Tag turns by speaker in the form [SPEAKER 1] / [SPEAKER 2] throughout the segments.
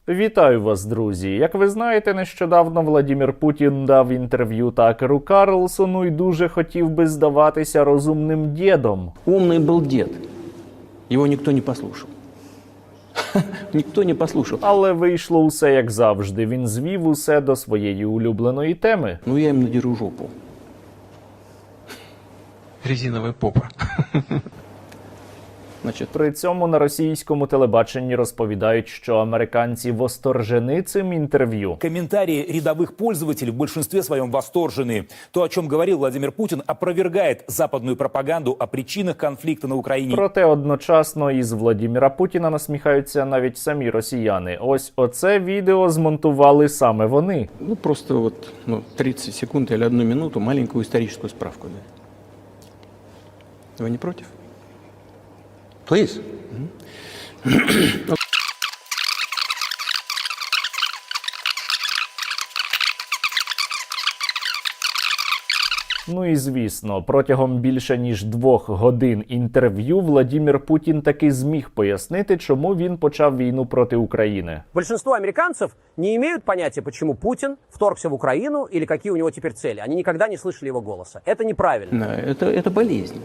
[SPEAKER 1] Вітаю вас, друзі! Як ви знаєте, нещодавно Владимир Путін дав інтерв'ю Такеру Карлсону і дуже хотів би здаватися розумним дідом.
[SPEAKER 2] Умний був дід. Його ніхто не послухав. Ніхто не послухав.
[SPEAKER 1] Але вийшло усе як завжди. Він звів усе до своєї улюбленої теми.
[SPEAKER 2] Ну я їм надеру жопу.
[SPEAKER 3] Резиновая попа.
[SPEAKER 2] Значить,
[SPEAKER 1] При цьому на російському телебаченні розповідають, що американці восторжені цим інтерв'ю.
[SPEAKER 4] Комментарии рядовых пользователей в большинстве своем восторжены. То, о чем говорил Владимир Путин, опровергает западную пропаганду о причинах конфликта на Украине.
[SPEAKER 1] Проте одночасно із Владимира Путіна насміхаються навіть самі росіяни. Ось оце відео змонтували саме вони.
[SPEAKER 2] ну просто вот 30 секунд или 1 минуту маленькую историческую справку. Да. Вы не против? Please.
[SPEAKER 1] Ну і звісно, протягом більше ніж 2 годин інтерв'ю Владимир Путін таки зміг пояснити, чому він почав війну проти України.
[SPEAKER 5] Большинство американцев не имеют понятия, почему Путин вторгся в Украину или какие у него теперь цели. Они никогда не слышали его голоса. Это неправильно.
[SPEAKER 2] Да, это болезнь.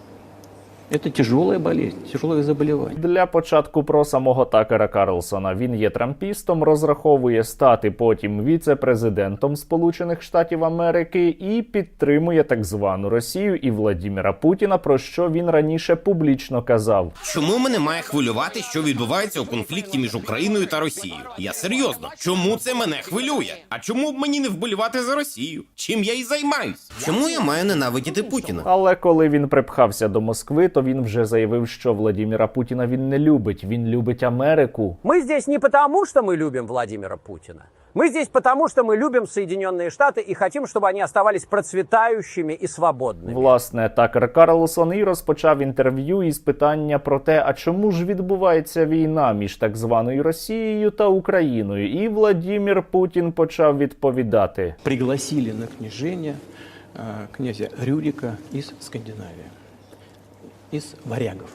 [SPEAKER 2] Это тяжелая болезнь, тяжелое заболевание.
[SPEAKER 1] Для початку про самого Такера Карлсона. Він є трампістом, розраховує стати потім віце-президентом Сполучених Штатів Америки і підтримує так звану Росію і Владимира Путіна, про що він раніше публічно казав.
[SPEAKER 6] Чому мене має хвилювати, що відбувається у конфлікті між Україною та Росією? Я серйозно. Чому це мене хвилює? А чому б мені не вболівати за Росію? Чим я і займаюсь? Чому я маю ненавидіти Путіна?
[SPEAKER 1] Але коли він припхався до Москви, то він вже заявив, що Владимира Путіна він не любить. Він любить Америку.
[SPEAKER 5] Мы здесь не потому, что мы любим Владимира Путина. Мы здесь потому, что мы любим Соединенные Штаты и хотим, чтобы они оставались процветающими и свободными.
[SPEAKER 1] Власне, Такер Карлсон і розпочав інтерв'ю із питання про те, а чому ж відбувається війна між так званою Росією та Україною. І Владимир Путін почав відповідати.
[SPEAKER 2] Пригласили на княжение князя Рюрика из Скандинавии. Из варягов.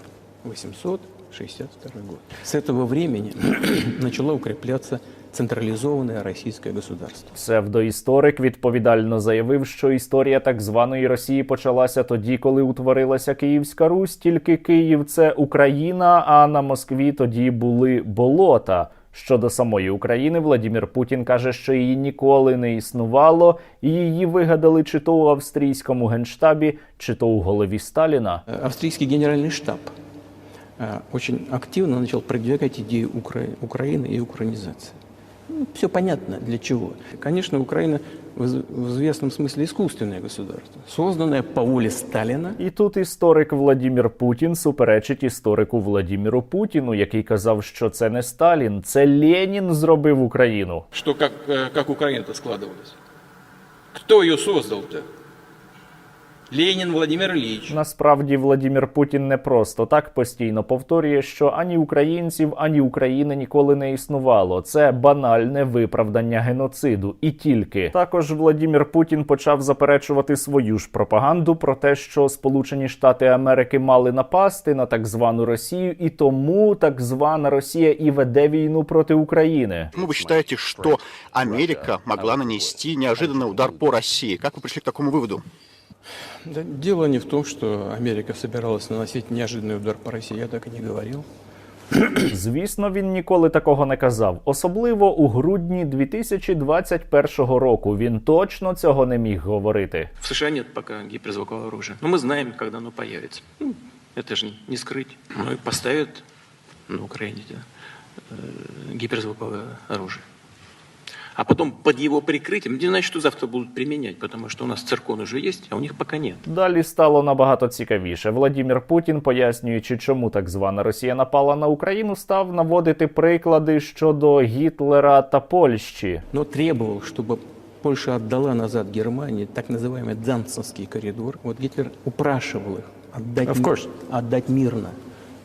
[SPEAKER 2] 862 год. С этого времени начало укрепляться централизованное российское государство.
[SPEAKER 1] Псевдоісторик відповідально заявив, що історія так званої Росії почалася тоді, коли утворилася Київська Русь, тільки Київ – це Україна, а на Москві тоді були болота. Щодо самої України, Владимир Путін каже, що її ніколи не існувало, і її вигадали чи то у австрійському генштабі, чи то у голові Сталіна.
[SPEAKER 2] Австрийский генеральный штаб очень активно начал продвигать идею Украины и украинизации. Все понятно для чего. Конечно, Украина в известном смысле искусственное государство, созданное по воле Сталина.
[SPEAKER 1] І тут історик Владимир Путін суперечить історику Владимиру Путіну, який казав, що це не Сталін, це Ленін зробив Україну.
[SPEAKER 7] Что как Украина-то складывалась? Кто ее создал-то? Ленин Владимир Ильич.
[SPEAKER 1] Насправді Владимир Путін не просто так постійно повторює, що ані українців, ані України ніколи не існувало. Це банальне виправдання геноциду. І тільки. Також Владимир Путін почав заперечувати свою ж пропаганду про те, що Сполучені Штати Америки мали напасти на так звану Росію, і тому так звана Росія і веде війну проти України.
[SPEAKER 8] Ну, вы считаете, что Америка могла нанести неожиданный удар по России? Как вы пришли к такому выводу?
[SPEAKER 2] Да, дело не в том, что Америка собиралась наносить неожиданный удар по России, я так и не говорил.
[SPEAKER 1] Звісно, він ніколи такого не казав. Особливо у грудні 2021 року він точно цього не міг говорити.
[SPEAKER 7] В США нет пока гиперзвукового оружия. Но мы знаем, когда оно появится. Это же не скрыть. Ну и поставят на Украине гиперзвуковое оружие. А потом под его прикрытием, не значит, что завтра будут применять, потому что у нас циркон уже есть, а у них пока нет.
[SPEAKER 1] Далі стало набагато цікавіше. Владимир Путін, пояснюючи, чому так звана Росія напала на Україну, став наводити приклади щодо Гітлера та Польщі.
[SPEAKER 2] Но требовал, чтобы Польша отдала назад Германии так называемый Данцинский коридор. Вот Гитлер упрашивал их отдать мирно.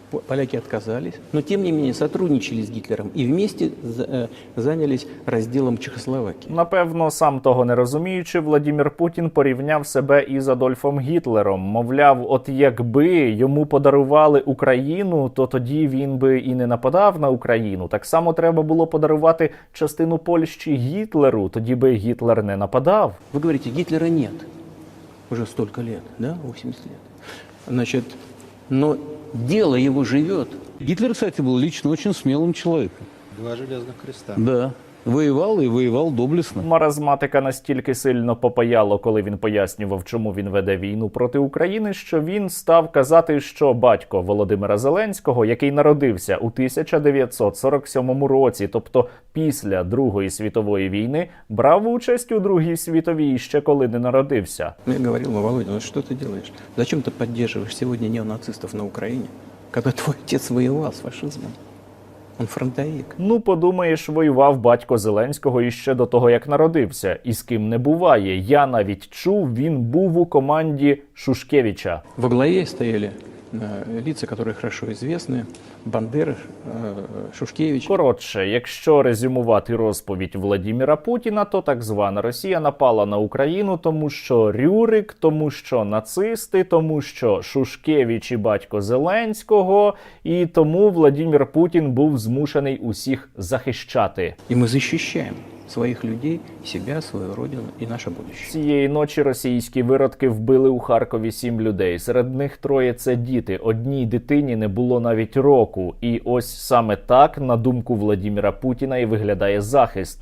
[SPEAKER 2] Поляки отказались, но тем не менее сотрудничали с Гитлером и вместе занялись разделом Чехословакии.
[SPEAKER 1] Напевно, сам того не розуміючи, Владимир Путін порівняв себе із Адольфом Гітлером. Мовляв, от якби йому подарували Україну, то тоді він би і не нападав на Україну. Так само треба було подарувати частину Польщі Гітлеру, тоді би Гітлер не нападав.
[SPEAKER 2] Вы говорите, Гитлера нет уже столько лет, да, 80 лет. Значит, но дело его живет.
[SPEAKER 3] Гитлер, кстати, был лично очень смелым человеком.
[SPEAKER 9] Два железных креста.
[SPEAKER 3] Да. Воевал и воевал доблестно.
[SPEAKER 1] Маразматика настільки сильно попаяло, коли він пояснював, чому він веде війну проти України, що він став казати, що батько Володимира Зеленського, який народився у 1947 році, тобто після Другої світової війни, брав участь у Другій світовій ще коли не народився.
[SPEAKER 2] Я говорил, Володя, ну что ты делаешь? Зачем ты поддерживаешь сегодня неонацистов на Украине, когда твой отец воевал с фашизмом? Он фронтовик.
[SPEAKER 1] Ну, подумаєш, воював батько Зеленського іще до того, як народився. І з ким не буває. Я навіть чув, він був у команді Шушкевича.
[SPEAKER 2] Во главе стояли лица, которые хорошо известны. Бандера, Шушкевич.
[SPEAKER 1] Коротше, якщо резюмувати розповідь Владіміра Путіна, то так звана Росія напала на Україну, тому що Рюрик, тому що нацисти, тому що Шушкевич і батько Зеленського, і тому Владімір Путін був змушений усіх захищати.
[SPEAKER 2] И мы защищаем своих людей, себя, свою родину и наше будущее.
[SPEAKER 1] Цієї ночі російські виродки вбили у Харкові 7 людей. Серед них 3 – це діти. Одній дитині не було навіть року. І ось саме так, на думку Владіміра Путіна, і виглядає захист.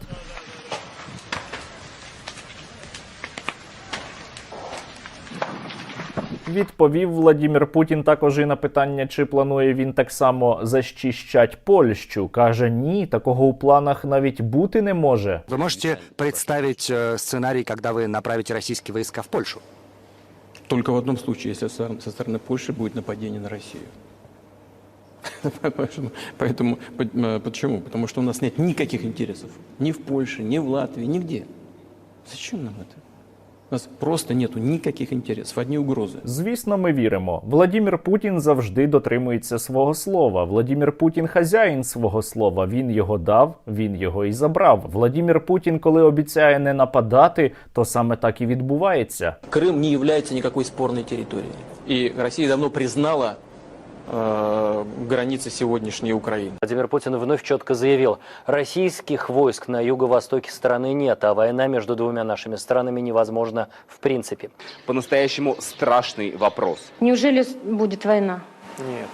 [SPEAKER 1] Відповів Владимир Путін також і на питання, чи планує він так само защищать Польщу. Каже, ні, такого у планах навіть бути не може.
[SPEAKER 10] Вы можете представить сценарий, когда вы направите российские войска в Польшу?
[SPEAKER 2] Только в одном случае, если со стороны Польши будет нападение на Россию. Поэтому, почему? Потому что у нас нет никаких интересов. Ни в Польше, ни в Латвии, нигде. Зачем нам это? У нас просто нету никаких інтересів, одні угрози.
[SPEAKER 1] Звісно, ми віримо. Владимир Путін завжди дотримується свого слова. Владимир Путін хазяїн свого слова. Він його дав, він його і забрав. Владимир Путін, коли обіцяє не нападати, то саме так і відбувається.
[SPEAKER 7] Крым не является никакой спорной территорией. И Россия давно признала границы сегодняшней Украины.
[SPEAKER 11] Владимир Путин вновь четко заявил, российских войск на юго-востоке страны нет, а война между двумя нашими странами невозможна в принципе.
[SPEAKER 12] По-настоящему страшный вопрос.
[SPEAKER 13] Неужели будет война?
[SPEAKER 7] Нет.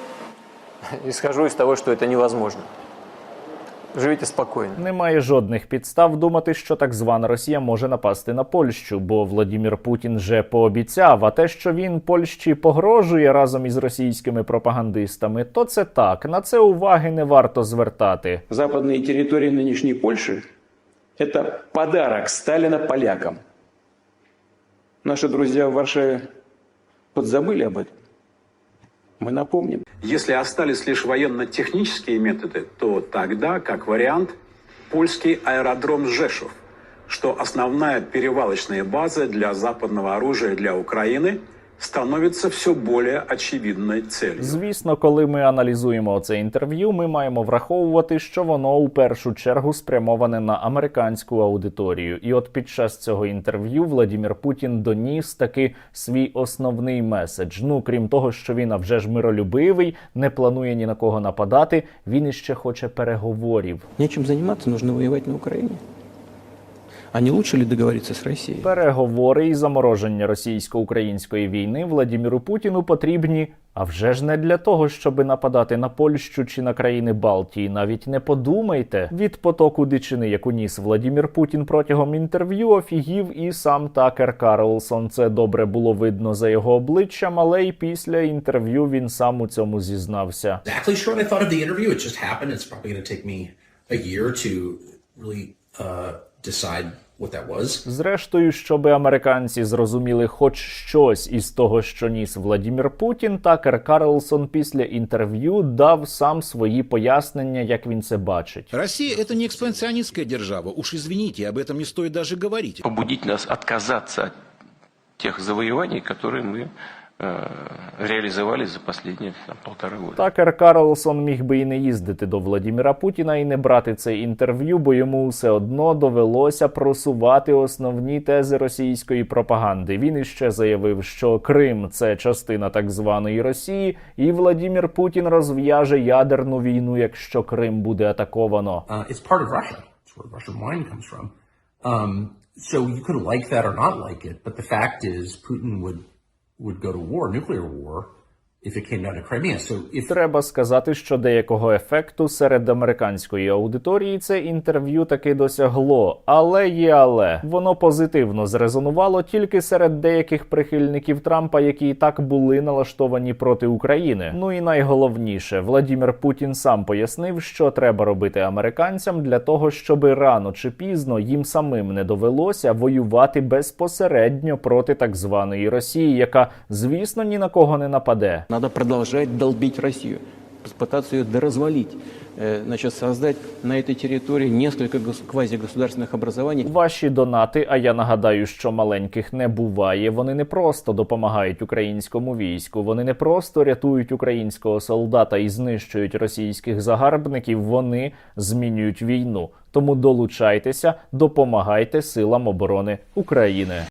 [SPEAKER 7] Исхожу из того, что это невозможно. Живіть спокійно.
[SPEAKER 1] Немає жодних підстав думати, що так звана Росія може напасти на Польщу, бо Владимир Путін вже пообіцяв, а те, що він Польщі погрожує разом із російськими пропагандистами, то це так, на це уваги не варто звертати.
[SPEAKER 14] Западні території нинішньої Польщі – це подарок Сталіна полякам. Наши друзья в Варшаве подзабыли об этом. Мы напомним.
[SPEAKER 15] Если остались лишь военно-технические методы, то тогда, как вариант, польский аэродром Жешов, что основная перевалочная база для западного оружия для Украины, становиться все более очевидною целью.
[SPEAKER 1] Звісно, коли ми аналізуємо це інтерв'ю, ми маємо враховувати, що воно у першу чергу спрямоване на американську аудиторію. І от під час цього інтерв'ю Владимир Путін доніс таки свій основний меседж. Ну, крім того, що він, а вже ж миролюбивий, не планує ні на кого нападати, він іще хоче переговорів.
[SPEAKER 2] Нечим займатися, нужно воювати на Україні. А не лучше ли договоритися з Росією?
[SPEAKER 1] Переговори і замороження російсько-української війни Владимиру Путіну потрібні, а вже ж не для того, щоб нападати на Польщу чи на країни Балтії. Навіть не подумайте. Від потоку дичини, яку ніс Владимир Путін протягом інтерв'ю, офігів і сам Такер Карлсон. Це добре було видно за його обличчям, але й після інтерв'ю він сам у цьому зізнався. Зрештою, щоби американці зрозуміли хоч щось із того, що ніс Владимир Путін, Такер Карлсон після інтерв'ю дав сам свої пояснення, як він це бачить.
[SPEAKER 16] Росія – це не експансіоністська держава, уж извините, об этом не стоит даже говорить.
[SPEAKER 7] Побудить нас отказаться от тех завоеваний, которые мы реализовались за последние полтора года.
[SPEAKER 1] Такер Карлсон міг би і не їздити до Владіміра Путіна і не брати це інтерв'ю, бо йому все одно довелося просувати основні тези російської пропаганди. Він іще заявив, що Крим – це частина так званої Росії, і Владімір Путін розв'яже ядерну війну, якщо Крим буде атаковано.
[SPEAKER 9] It's part of Russia. It's where Russian wine comes from. So you could like that or not like it, but the fact is Putin would go to war, nuclear war, if it came down to Crimea. So if...
[SPEAKER 1] Треба сказати, що деякого ефекту серед американської аудиторії це інтерв'ю таки досягло. Але є але. Воно позитивно зрезонувало тільки серед деяких прихильників Трампа, які і так були налаштовані проти України. Ну і найголовніше, Владімір Путін сам пояснив, що треба робити американцям для того, щоб рано чи пізно їм самим не довелося воювати безпосередньо проти так званої Росії, яка, звісно, ні на кого не нападе.
[SPEAKER 2] Надо продолжать долбить Россию, попытаться ее доразвалить, значит, создать на этой территории несколько квазигосударственных образований.
[SPEAKER 1] Ваші донати, а я нагадаю, що маленьких не буває, вони не просто допомагають українському війську, вони не просто рятують українського солдата і знищують російських загарбників, вони змінюють війну. Тому долучайтеся, допомагайте силам оборони України.